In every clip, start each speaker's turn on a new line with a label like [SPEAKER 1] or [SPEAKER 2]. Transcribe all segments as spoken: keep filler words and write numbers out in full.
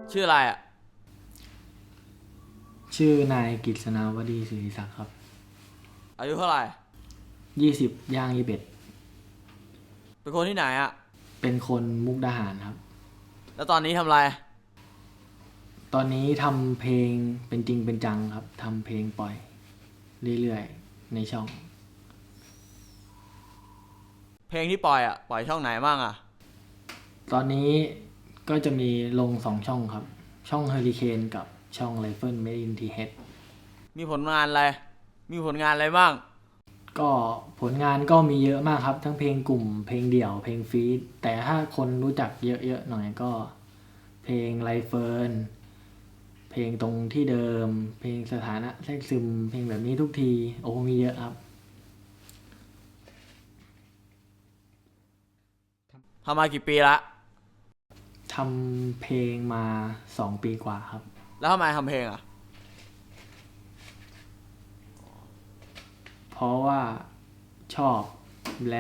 [SPEAKER 1] ชื่ออะไรอ่ะ
[SPEAKER 2] ชื่อนายกฤษณาวดีศิริศักดิ์ครับ
[SPEAKER 1] อายุเท่าไหร่
[SPEAKER 2] ยี่สิบย่างยี่สิบเอ็ด
[SPEAKER 1] เป็นคนที่ไหนอ่ะ
[SPEAKER 2] เป็นคนมุกดาหารครับ
[SPEAKER 1] แล้วตอนนี้ทำอะไร
[SPEAKER 2] ตอนนี้ทำเพลงเป็นจริงเป็นจังครับทำเพลงปล่อยเรื่อยๆในช่อง
[SPEAKER 1] เพลงที่ปล่อยอ่ะปล่อยช่องไหนบ้างอ่ะ
[SPEAKER 2] ตอนนี้ก็จะมีลงสองช่องครับช่องเฮอริเคนกับช่องไรเฟิลเมดอินทีเฮด
[SPEAKER 1] มีผลงานอะไรมีผลงานอะไรบ้าง
[SPEAKER 2] ก็ผลงานก็มีเยอะมากครับทั้งเพลงกลุ่มเพลงเดี่ยวเพลงฟีดแต่ถ้าคนรู้จักเยอะๆหน่อยก็เพลงไรเฟิลเพลงตรงที่เดิมเพลงสถานะแทรกซึมเพลงแบบนี้ทุกทีโอ้มีเยอะครับ
[SPEAKER 1] ทำมากี่ปีละ
[SPEAKER 2] ทำเพลงมาสองปีกว่าครับ
[SPEAKER 1] แล้วทำไมทำเพลงอ่ะ
[SPEAKER 2] เพราะว่าชอบและ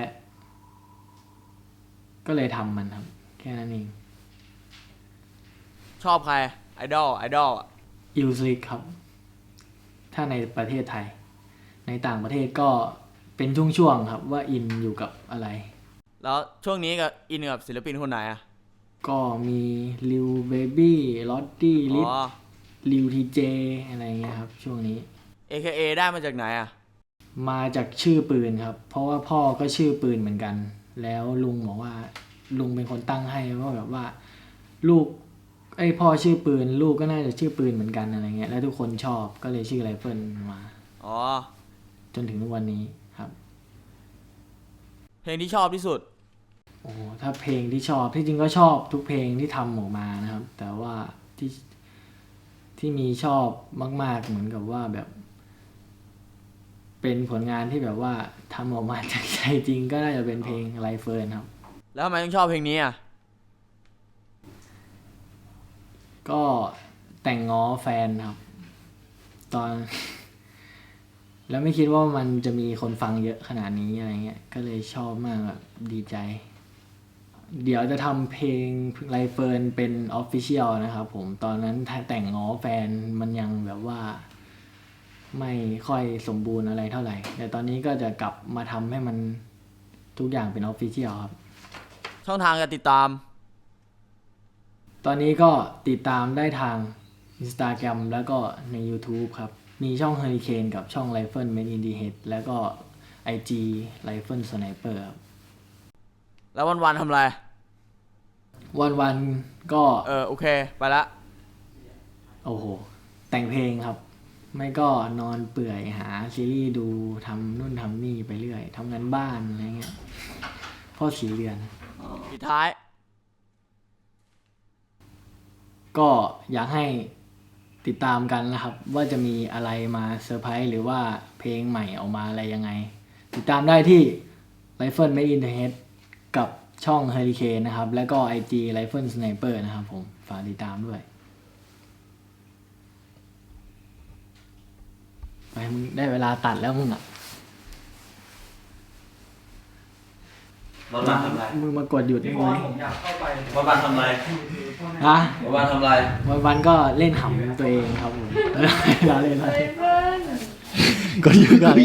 [SPEAKER 2] ก็เลยทำมันครับแค่นั้นเอง
[SPEAKER 1] ชอบใครไอดอลไอดอลอ่ะ
[SPEAKER 2] อิลซิกครับถ้าในประเทศไทยในต่างประเทศก็เป็นช่วงๆครับว่าอินอยู่กับอะไร
[SPEAKER 1] แล้วช่วงนี้กับอินกับศิลปินคนไหนอ่ะ
[SPEAKER 2] ก็มีลิวเบบี้ลอตตี้ลิท
[SPEAKER 1] อ๋อ
[SPEAKER 2] ลิวทีเจอะไรเงี้ยครับช่วงนี้
[SPEAKER 1] เอ เค เอ ได้มาจากไหนอ่ะ
[SPEAKER 2] มาจากชื่อปืนครับเพราะว่าพ่อก็ชื่อปืนเหมือนกันแล้วลุงบอกว่าลุงเป็นคนตั้งให้ว่าแบบว่าลูกไอ้พ่อชื่อปืนลูกก็น่าจะชื่อปืนเหมือนกันอะไรเงี้ยแล้วทุกคนชอบก็เลยชื่อไรเฟิลมา
[SPEAKER 1] อ๋อ
[SPEAKER 2] จนถึงทุกวันนี้ครับ
[SPEAKER 1] เพลงที่ชอบที่สุด
[SPEAKER 2] โอ้ถ้าเพลงที่ชอบที่จริงก็ชอบทุกเพลงที่ทำออกมานะครับแต่ว่าที่ที่มีชอบมากๆเหมือนกับว่าแบบเป็นผลงานที่แบบว่าทำออกมาจากใจจริงก็น่าจะเป็นเพลงไรเฟิลครับ
[SPEAKER 1] แล้วทำไมต้องชอบเพลงนี้อ่ะ
[SPEAKER 2] ก็แต่งง้อแฟนครับ ตอน แล้วไม่คิดว่ามันจะมีคนฟังเยอะขนาดนี้อะไรเงี้ยก็เลยชอบมากแบบดีใจ เดี๋ยวจะทำเพลงไรเฟิร์นเป็นออฟฟิเชียลนะครับผมตอนนั้นแต่งง้อแฟนมันยังแบบว่า ไม่ค่อยสมบูรณ์อะไรเท่าไหร่แต่ตอนนี้ก็จะกลับมาทำให้มันทุกอย่างเป็นออฟฟิเชียลครับ
[SPEAKER 1] ช่องทางการติดตาม
[SPEAKER 2] ตอนนี้ก็ติดตามได้ทาง Instagram แล้วก็ใน YouTube ครับมีช่อง Hurricane กับช่อง Rifle Made in the Head แล้วก็ ไอ จี Rifle Sniper ครับ
[SPEAKER 1] แล้ววันๆทำอะไร
[SPEAKER 2] วันๆก็
[SPEAKER 1] เออโอเคไปละ
[SPEAKER 2] โอ้โหแต่งเพลงครับไม่ก็นอนเปื่อยหาซีรีส์ดูทำนู่นทำนี่ไปเรื่อยทำงานบ้านอะไรเงี้ยพ่อสีเรือน
[SPEAKER 1] ปิดท้าย
[SPEAKER 2] ก็อยากให้ติดตามกันนะครับว่าจะมีอะไรมาเซอร์ไพรส์หรือว่าเพลงใหม่ออกมาอะไรยังไงติดตามได้ที่ Rifle Made in the Head กับช่อง Hurricane นะครับแล้วก็ ไอ จี Rifle Sniper นะครับผมฝากติดตามด้วยไปมึงได้เวลาตัดแล้วมึงอ่ะ
[SPEAKER 3] วันวันทำไร
[SPEAKER 2] มึงมากดหยุดได้ไหม
[SPEAKER 3] วันวันทำไร
[SPEAKER 2] ฮะ
[SPEAKER 3] วันวันทำไร
[SPEAKER 2] วันวันก็เล่นหำตัวเองครับผมเราเล่นอะไรกดหยุดก่อน